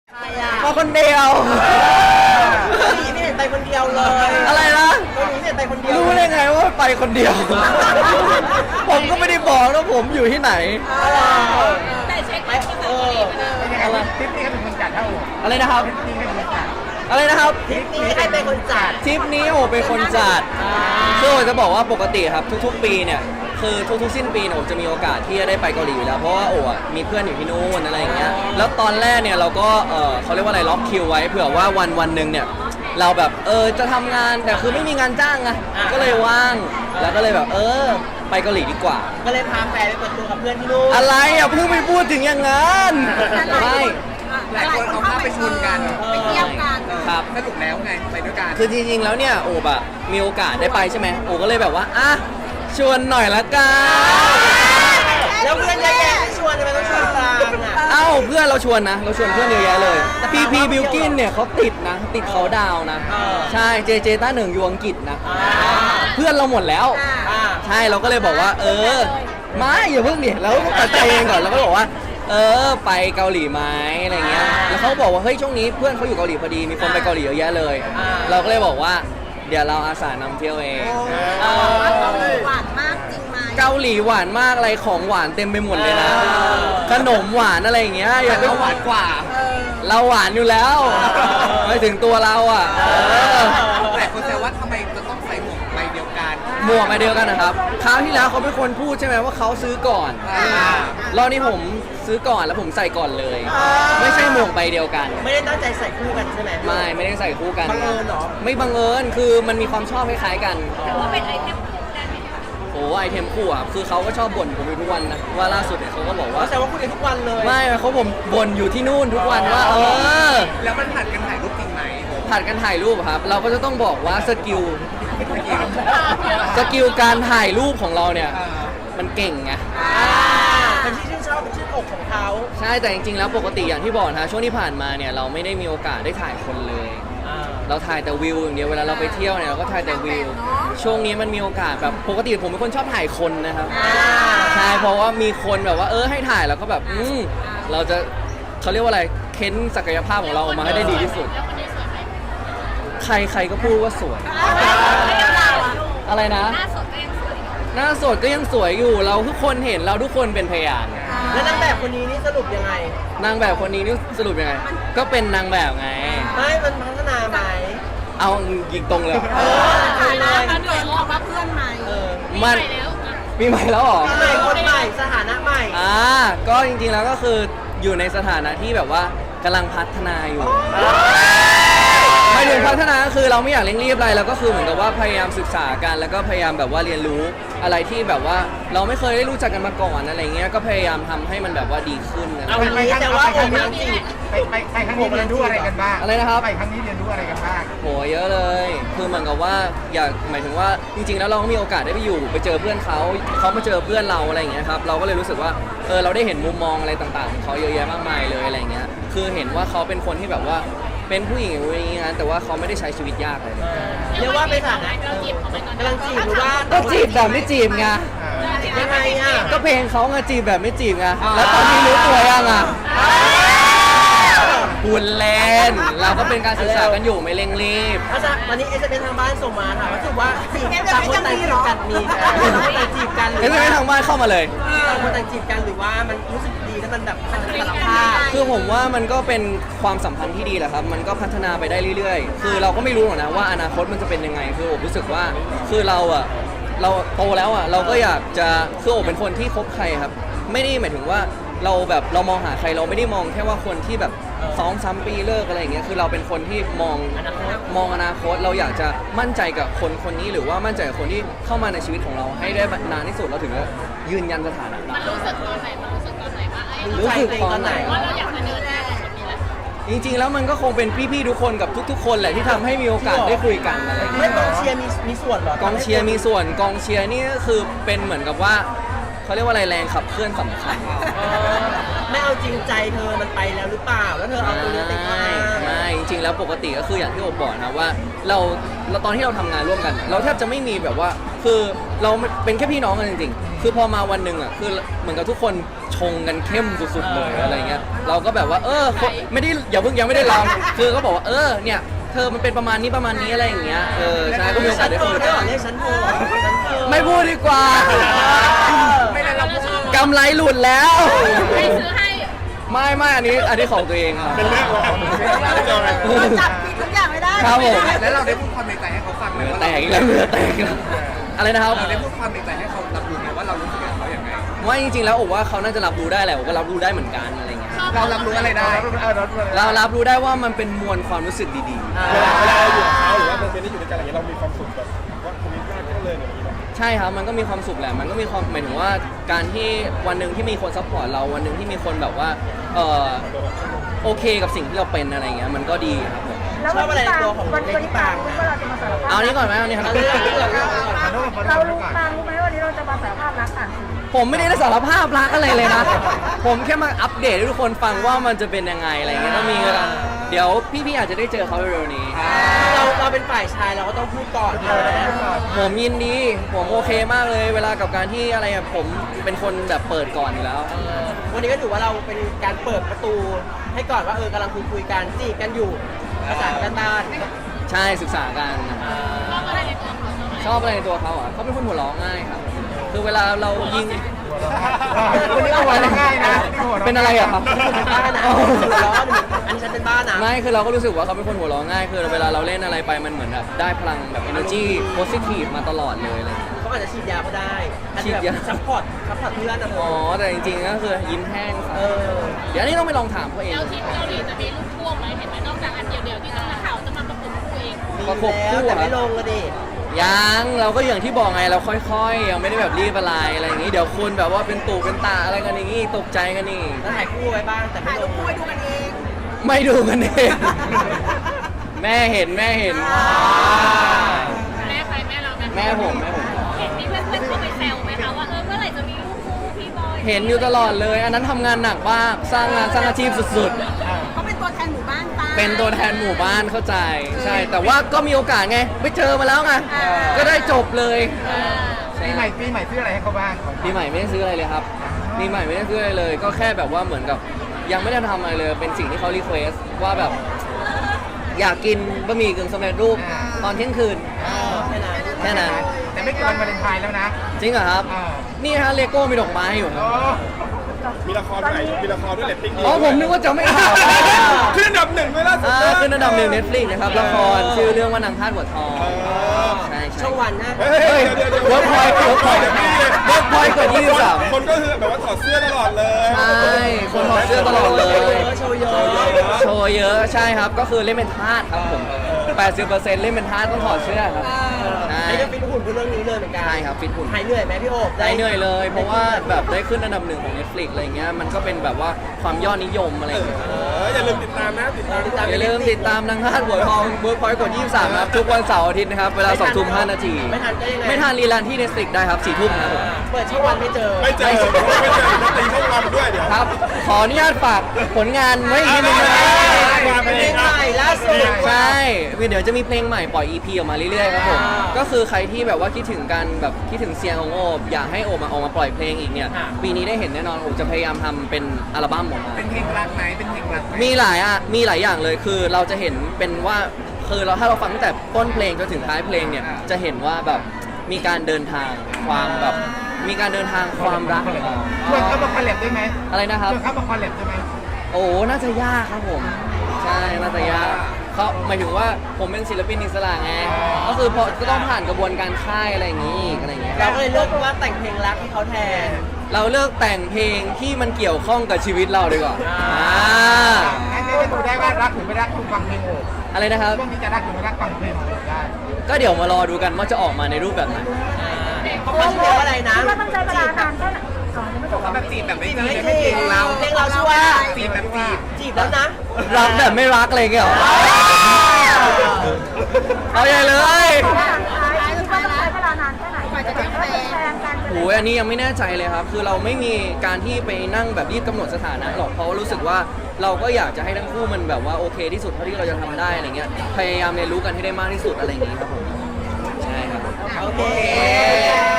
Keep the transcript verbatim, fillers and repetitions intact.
มาคนเดียวนี่ไม่เห็นไปคนเดียวเลยอะไรนะตัวนี้ไม่เห็นไปคนเดียวรู้ได้ไงว่าไปคนเดียว ผมก็ไม่ได้บอกว่าผมอยู่ที่ไหนแต่เช็คไปเอออะไรทริปนี้ก็เป็นคนจัดเท่าอะไรนะครับทริปนี้ก็เป็นคนจัดอะไรนะครับทริปนี้ใครเป็นคนจัดทริปนี้โอเป็นคนจัดคือโอจะบอกว่าปกติครับทุกๆปีเนี่ยคือทุกๆสิ้นปีเนี่ยโอจะมีโอกาสที่จะได้ไปเกาหลีอยู่แล้วเพราะว่าโออ่ะมีเพื่อนอยู่ที่นู่นอะไรอย่างเงี้ยแล้วตอนแรกเนี่ยเราก็เออเขาเรียกว่าอะไรล็อกคิวไว้เผื่อว่าวันวันหนึ่งเนี่ยเราแบบเออจะทำงานแต่คือไม่มีงานจ้างไงก็เลยว่างแล้วก็เลยแบบเออไปเกาหลีดีกว่าก็เลยพาแฟนไปเปิดตัวกับเพื่อนที่นู่นอะไรอ่ะเพิ่งไปพูดถึงอย่างนั้นไม่หลายคนเอาภาพไปชนกันไปเที่ยวกันครับสรุปแล้วไงไปด้วยกันคือจริงๆแล้วเนี่ยโอบอะมีโอกาสได้ไปใช่ไหมโอก็เลยแบบว่าอ่ะชวนหน่อยละกันแล้วเพื่อนเยอะแยะไม่ชวนทำไมต้องชวนตามอ่ะเอ้าเพื่อนเราชวนนะเราชวนเพื่อนเยอะแยะเลยพีพีบิลกินเนี่ยเขาติดนะติดเขาดาวนะใช่เจเจต้าหนึ่งอยู่อังกฤษนะเพื่อนเราหมดแล้วใช่เราก็เลยบอกว่า เออไม่อย่าเพิ่งดิเราก็ตัดใจเองก่อนเราก็บอกว่าเออไปเกาหลีไหมอะไรเงี้ยแล้วเขาบอกว่าเฮ้ยช่วงนี้เพื่อนเขาอยู่เกาหลีพอดีมีคนไปเกาหลีเยอะแยะเลยเราก็เลยบอกว่าเดี๋ยวเราอาสานำเที่ยวเองหวานมากจริงไหมเกาหลีหวานมากอะไรของหวานเต็มไปหมดเลยนะขนมหวานอะไรอย่างเงี้ยอย่าไปหวานกว่าเราหวานอยู่แล้วไม่ถึงตัวเราอ่ะแต่คนแซวว่าทำไมจะต้องใส่หมวกใบเดียวกันหมวกใบเดียวกันนะครับคราวที่แล้วเขาเป็นคนพูดใช่ไหมว่าเขาซื้อก่อนรอบนี้ผมซื้อก่อนแล้วผมใส่ก่อนเลยไม่ใช่หมวกใบเดียวกันไม่ได้ตั้งใจใส่คู่กันใช่ไหมไม่ไม่ได้ใส่คู่กันบังเอิญเหรอไม่บังเอิญคือมันมีความชอบคล้ายๆกันแต่ว่าเป็นไอเทมคู่ได้ไหมคะโอ้ไอเทมคู่อ่ะคือเขาก็ชอบบ่นผมอยู่ทุกวันนะว่าล่าสุดเนี่ยเขาก็บอกว่าแต่ว่าคุยกันทุกวันเลยไม่เขาผมบ่นอยู่ที่นู่นทุกวันว่าเออแล้วมันผัดกันถ่ายรูปจริงไหมผัดกันถ่ายรูปครับ เราก็จะต้องบอกว่าสกิลสกิลการถ่ายรูปของเราเนี่ยมันเก่งไงเป็นที่ชื่นชอบเป็นชื่นอกของเขาใช่แต่จริงๆแล้วปกติอย่างที่บอกนะช่วงที่ผ่านมาเนี่ยเราไม่ได้มีโอกาสได้ถ่ายคนเลยเราถ่ายแต่วิวอย่างเดียวเวลาเราไปเที่ยวเนี่ยเราก็ถ่ายแต่วิวช่วงนี้มันมีโอกาสแบบปกติผมเป็นคนชอบถ่ายคนนะครับใช่เพราะว่ามีคนแบบว่าเออให้ถ่ายแล้วก็แบบอืมเราจะเขาเรียกว่าอะไรเค้นศักยภาพของเราออกมาให้ได้ดีที่สุดใครใครก็พูดว่าสวยอะไรนะหน้าสดก็ยังสวยหน้าสดก็ยังสวยอยู่เราทุกคนเห็นเราทุกคนเป็นพยานแล้วนางแบบคนนี้นี่สรุปยังไงนางแบบคนนี้นี่สรุปยังไงก็เป็นนางแบบไงไม่มันพัฒนาไหมเอายิงตรงเลยถ่ายแล้วมันเกิดออกมาเพื่อนใหม่มันปีใหม่แล้วหรอปีใหม่คนใหม่สถานะใหม่อ่าก็จริงๆแล้วก็คืออยู่ในสถานะที่แบบว่ากำลังพัฒนาอยู่ไม่ถึงพัฒนาก็คือเราไม่อยากเร่งรีบอะไรเราก็คือเหมือนกับว่าพยายามศึกษากันแล้วก็พยายามแบบว่าเรียนรู้อะไรที่แบบว่าเราไม่เคยได้รู้จักกันมาก่อนอะไรเงี้ยก็พยายามทำให้มันแบบว่าดีขึ้นนะเอาวันนี้แต่ว่าผมยังจีบไปไปไปครั้งนี้เรียนรู้อะไรกันบ้างอะไรนะครับไปครั้งนี้เรียนรู้อะไรกันบ้างโหเยอะเลยคือเหมือนกับว่าอยากหมายถึงว่าจริงๆแล้วเราก็มีโอกาสได้ไปอยู่ไปเจอเพื่อนเขาเขามาเจอเพื่อนเราอะไรอย่างเงี้ยครับเราก็เลยรู้สึกว่าเออเราได้เห็นมุมมองอะไรต่างๆของเขาเยอะแยะมากมายเลยอะไรเงี้ยคือเห็นว่าเขาเป็นคนที่แบบว่าเป็นผู้หญิงอย่างนี้นะแต่ว่าเขาไม่ได้ใช้ชีวิตยากเลยเรียกว่าเป็นฐานะกำลังจีบหรือว่าก็จีบแบบไม่จีบไงยังไงอ่ะก็เพลงเขาไงจีบแบบไม่จีบไงแล้วตอนนี้รู้ตัวยังอ่ะพูดเล่นเราก็เป็นการศึกษากันอยู่ไม่เร่งรีบอาจารย์วันนี้เอสเอ็มทางบ้านส่งมาถามว่าถือว่าจีบต่างคนต่างจีบกันมีต่างจีบกันหรือเอสเอ็มทางบ้านเข้ามาเลยต่างคนต่างจีบกันหรือว่ามันรู้สึกดีแล้วมันแบบสารภาพคือผมว่ามันก็เป็นความสัมพันธ์ที่ดีแหละครับมันก็พัฒนาไปได้เรื่อยๆคือเราก็ไม่รู้หรอกนะว่าอนาคตมันจะเป็นยังไงคือผมรู้สึกว่าคือเราอะเราโตแล้วอะเราก็อยากจะคือผมเป็นคนที่คบใครครับไม่ได้หมายถึงว่าเราแบบเรามองหาใครเราไม่ได้มองแค่ว่าคนที่แบบสองสามปีเลิกอะไรอย่างเงี้ยคือเราเป็นคนที่มองมองอนาคตเราอยากจะมั่นใจกับคนคนนี้หรือว่ามั่นใจกับคนที่เข้ามาในชีวิตของเราให้ได้นานที่สุดเราถึงจะยืนยันสถานะมันรู้สึกตอนไหนมันรู้สึกตอนไหนว่าไอ้รู้สึกตอนไหนว่าเราอยากมาเดินได้จริงๆแล้วมันก็คงเป็นพี่ๆทุกคนกับทุกๆคนแหละที่ทำให้มีโอกาสได้คุยกันอะไรอย่างเงี้ยไม่กองเชียร์มีมีส่วนหรอกองเชียร์มีส่วนกองเชียร์นี่ก็คือเป็นเหมือนกับว่าเขาเรียกว่าอะไรแรงขับเคลื่อนสำคัญไม่เอาจริงใจเธอมันไปแล้วหรือเปล่าแล้วเธอเอาตัวนี้ติดมาไม่จริงๆแล้วปกติก็คืออย่างที่โอบอกนะว่าเราเราตอนที่เราทำงานร่วมกันเราแทบจะไม่มีแบบว่าคือเราเป็นแค่พี่น้องกันจริงๆคือพอมาวันหนึ่งอ่ะคือเหมือนกับทุกคนชงกันเข้มสุดๆเลยอะไรเงี้ยเราก็แบบว่าเออไม่ได้อย่าเพิ่งยังไม่ได้ลองคือก็บอกว่าเออเนี่ยเธอมันเป็นประมาณนี้ประมาณนี้อะไรอย่างเงี้ยเออใช่ก็มีโอกาสได้โทรคุยได้หรอเรียกฉันโทรฉันโทรไม่พูดดีกว่าไม่ได้เราพูดกำไรหลุดแล้วใครซื้อให้ไม่ไม่อันนี้อันนี้ของตัวเองครับเป็นเรื่องของเราจับผิดทุกอย่างไม่ได้ครับผมแล้วเราได้พูดความในใจให้เขาฟังไหมเหลือว่าแตกอีกแล้วเหลือแตกอีกแล้วอะไรนะครับเราได้พูดความในใจให้เขารับรู้ไหมว่าเรารู้สึกกับเขาอย่างไงว่าจริงๆแล้วโอ้ว่าเขาน่าจะรับรู้ได้แหละโอ้ก็รับรู้ได้เหมือนกันอะไรเงี้ยเรารับรู้อะไรได้เรารับรู้ได้ว่ามันเป็นมวลความรู้สึกดีเวลาเวลาเราอยู่กับเขาหรือว่าโมเมนต์ที่อยู่ด้วยกันอะไรอย่างเงี้ยเรามีความสุขแบบว่าคนนี้น่าจะเลยอย่างนี้แบบๆ ใช่ครับมันก็มีความสุขแหละมันก็มีความหมายถึงว่าการที่วันหนึ่งที่มีคนซัพพอร์ตเราวันหนึ่งที่มีคนแบบว่าเออโอเคกับสิ่งที่เราเป็นอะไรเงี้ยมันก็ดีครับผมชอบอะไรในตัวของวันเลนี้ดี้ปาปาง งรู้ว่าเราจะมาสารภาพเอานี้ก่อนไหมเอานี้ครับเอาเรื่องนี้ก่อนเรื่องนี้ก่อนเรารู้ปางรู้ไหมวันนี้เราจะมาสารภาพรักอ่านสื่อผมไม่ได้สารภาพรักอะไรเลยนะ ผมแค่มาอัปเดตให้ทุกคนฟังว่ามันจะเป็นยังไงอะไรเงี้ยก็มีเวลาเดี๋ยวพี่ๆอาจจะได้เจอเขาเร็วๆนี้เราเราเป็นฝ่ายชายเราก็ต้องพูดก่อนเลยผมยินดี ผมโอเคมากเลย เวลากับการที่อะไรอะผมเป็นคนแบบเปิดก่อนอยู่แล้ววันนี้ก็ถือว่าเราเป็นการเปิดประตูให้ก่อนว่าเออกำลังคุยคุยกันจีบกันอยู่ภาษากันตานใช่ศึกษากันชอบอะไรในตัวเขาชอบอะไรในตัวเขาอ่ะเขาเป็นคนหัวเราะง่ายครับ คือเวลาเรายิงคนนี้ก็หัวเราะง่ายนะเป็นอะไรอะครับเป็นบ้านะร้อนอันนี้ฉันเป็นบ้านะไม่คือเราก็รู้สึกว่าเขาเป็นคนหัวเราะง่าย คือเวลาเราเล่นอะไรไปมันเหมือนแบบได้พลังแบบ energy positive มาตลอดเลยอะไรอย่างเงี้ยเขาอาจจะฉีดยาก็ได้อาจฉีจะดแบบยาซัพพอร์ตซัพพอร์ตเพื่อนนะอ๋อแต่จริงๆก็คือยิ้มแห้งครับเออเดี๋ยวอันนี้ต้องไปลองถามเขาเองแล้วที่เกาหลีจะมีลูกพ่วงไหมเห็นไหมนอกจากอันเดียวๆที่ต้องนักข่าวจะมาประกบคู่เองมีประกบคู่แล้วแต่เหรอไม่ลงก็ดิยังเราก็อย่างที่บอกไงเราค่อยๆ ยังไม่ได้แบบรีบอะไรอะไรอย่างงี้เดี๋ยวคุณแบบว่าเป็นตู่เป็นตาอะไรกันอย่างงี้ตกใจกันนี่แล้วถ่ายคู่ไว้บ้างแต่ไม่ลงคู่ไว้ดูกันเองไม่ดูกันเองแม่เห็นแม่เห็นแม่ใครแม่เราแม่แม่ผมแม่ผมเห็นมีเพื่อนๆเข้าไปแซวไหมคะว่าเออเมื่อไหร่จะมีลูกคู่พี่บอยเห็นอยู่ตลอดเลย อันนั้นทำงานหนักมากสร้างงานสร้างอาชีพสุดเขาเป็นตัวแทนหมู่บ้านป้าๆ เป็นตัวแทนหมู่บ้านเข้าใจใช่แต่ว่าก็มีโอกาสไงไปเจอมาแล้วไงก็ได้จบเลยปีใหม่ปีใหม่ซื้ออะไรให้เขาบ้างปีใหม่ไม่ได้ซื้ออะไรเลยครับปีใหม่ไม่ได้ซื้ออะไรเลย ก็แค่แบบว่าเหมือนกับยังไม่ได้ทำอะไรเลย เป็นสิ่งที่เขารีเควสว่าแบบ อยากกินบะหมี่กึ่งสำเร็จรูปตอนเที่ยงคืนแค่นั้นแค่นั้นแต่ไม่เกินวันวาเลนไทน์แล้วนะจริงเหรอครับอ่านี่ฮะเลโก้มีดอกไม้อยู่ครับมีละครใหม่มีละครด้วยเรตติ้งดีอ๋อผมนึกว่าจะไม่ข่าวขึ้นอันดับหนึ่งเลยล่าสุดอ่าขึ้นอันดับหนึ่งเน็ตฟลิกนะครับละครชื่อเรื่องว่านางทาสหัวทองใช่ใช่ช่องวันนะเฮ้ยเดี๋ยวเดี๋ยวเวิร์กพอยต์เวิร์กพอยต์เวิร์กพอยต์กว่ายี่สิบสามคนก็คือแบบว่าถอดเสื้อตลอดเลยใช่คนถอดเสื้อตลอดเลยโชว์เยอะโชว์เยอะใช่ครับก็คือเล่นเป็นทาสครับผมแปดสิบเปอร์เซ็นต์เล่นเป็นทาสต้องถอดเสื้อครับใช่ไอ้ก็ฟิตหุ่นเพื่อเรื่องนี้เลยเหมือนกันใช่ครับฟิตหุ่นหายเหนื่อยไหมพี่โอ๊บได้เหนื่อยเลย เพราะว่าแบบได้ขึ้นอันดับหนึ่งของ Netflix อะไรเงี้ยมันก็เป็นแบบว่าความยอดนิยมอะไรอย่างเงี้ยเอออย่าลืมติดตามนะติดตามติดตามอย่าลืมติดตามนางทาสหัวทองเวิร์กพอยต์กดยี่สิบสามครับทุกวันเสาร์อาทิตย์นะครับเวลาสองทุ่มห้านาทีไม่ทันก็ยังไงไม่ทันรีลันที่ Netflix ได้ครับสี่ทุ่มครับผมเปิดช่องวันไม่เจอไม่เจอไม่เจอจะตีช่องวันด้วยเดี๋ยวครับ ขออนุญาตฝากผลงานไว้อีกนิดนึงนะเป็นเพลงใหม่ล่าสุดใช่เดี๋ยวจะมีเพลงใหม่ปล่อย อี พี ออกมาเรื่อยๆครับผมอ่าก็คือใครที่แบบว่าคิดถึงกันแบบคิดถึงเสียงของโอบอยากให้โอบมาออกมาปล่อยเพลงอีกเนี่ยอ่าปีนี้ได้เห็นแน่นอนโอบจะพยายามทำเป็นอัลบั้มออกมาเป็นเพลงรักไหมเป็นเพลงรักไหมมีหลายอ่ะมีหลายอย่างเลยคือเราจะเห็นเป็นว่าคือเราถ้าเราฟังตั้งแต่ต้นเพลงจนถึงท้ายเพลงเนี่ยจะเห็นว่าแบบมีการเดินทางความแบบมีการเดินทางความรักชวนเขามาคอลแลบได้ไหมอะไรนะครับชวนเขามาคอลแลบได้ไหมโอ้น่าจะยากครับผม ใช่น่าจะยากเขาหมายถึงว่าผมเป็นศิลปินอิสระไงก็คือพอก็ต้องผ่านกระบวนการค่ายอะไรอย่างนี้อีกอะไรอย่างเงี้ยเราก็เลยเลือกว่าแต่งเพลงรักให้เขาแทนเราเลือกแต่งเพลงที่มันเกี่ยวข้องกับชีวิตเราดีกว่าอ่าอ่าให้ได้ดูได้ว่ารักหรือไม่รักคุณฟังเพลงโอบอะไรนะครับช่วงนี้จะรักหรือไม่รักฟังเพลงโอบได้ก็เดี๋ยวมารอดูกันว่าจะออกมาในรูปแบบไหนเขาเขาชื่อว่าอะไรนะคิดว่าต้องใช้เวลานานแค่ไหนอ๋อยังไม่จบแบบจีบแบบไม่จีบจีบไม่ไม่จีเพลบงเราเพลงเราชื่อว่าจีบแบบจีบจีบแล้วนะรักแบบไม่รักอะไรอย่างเงี้ยเหรอเอาใหญ่เลยคิดว่าต้องใช้เวลานานแค่ไหนกว่าจะได้แฟนกันโอ้ยอันนี้ยังไม่แน่ใจเลยครับ คือเราไม่มีการที่ไปนั่งแบบรีบกำหนดสถานะหรอกเพราะว่ารู้สึกว่าเราก็อยากจะให้ทั้งคู่มันแบบว่าโอเคที่สุดเท่าที่เราจะทำได้อะไรเงี้ยพยายามเรียนรู้กันให้ได้มากที่สุดอะไรอย่างงี้ครับผมใช่ครับโอเค